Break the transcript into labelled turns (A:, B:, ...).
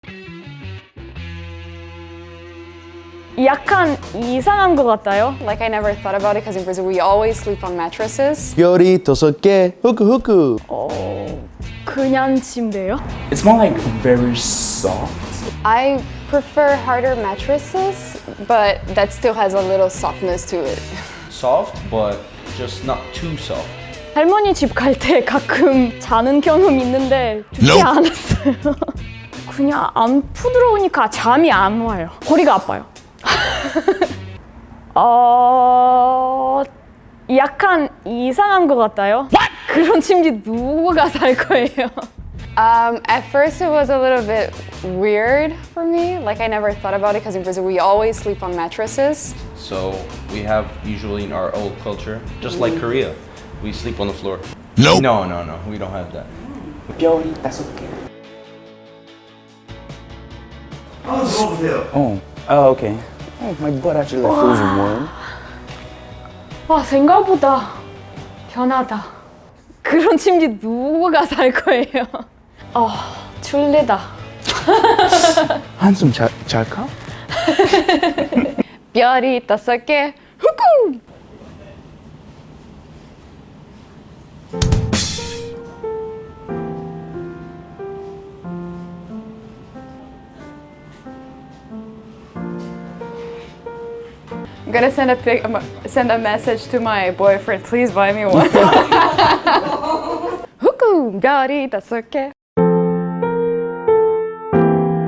A: 약간 이상한 것 같아요.
B: Like I never thought about it because in Brazil we always sleep on mattresses.
C: 별이 5개 후쿠후쿠.
A: 그냥 침대요?
D: It's more like very soft.
B: I prefer harder mattresses, but that still has a little softness to it.
E: Soft, but just not too soft.
A: 할머니 집 갈 때 가끔 자는 경험 있는데 좋지 않았어요. 그냥 안 부드러우니까 잠이 안 와요. 허리가 아파요. 약간 이상한 것 같아요. 그런 침대 누가 살 거예요?
B: At first it was a little bit weird for me. Like I never thought about it because in Brazil we always sleep on mattresses.
E: So we have usually in our old culture, just like Korea, we sleep on the floor.
C: Nope.
E: No, we don't have that.
D: 별이 5개. Oh, okay. Oh, my butt actually like feels warm.
A: 와, 생각보다 편하다. 그런 침대 누가 살 거예요? 졸리다.
D: 한숨 잘까?
B: 별이 5개. 후쿠! I'm gonna send a message to my boyfriend. Please buy me one. 후쿠! 별이 5개.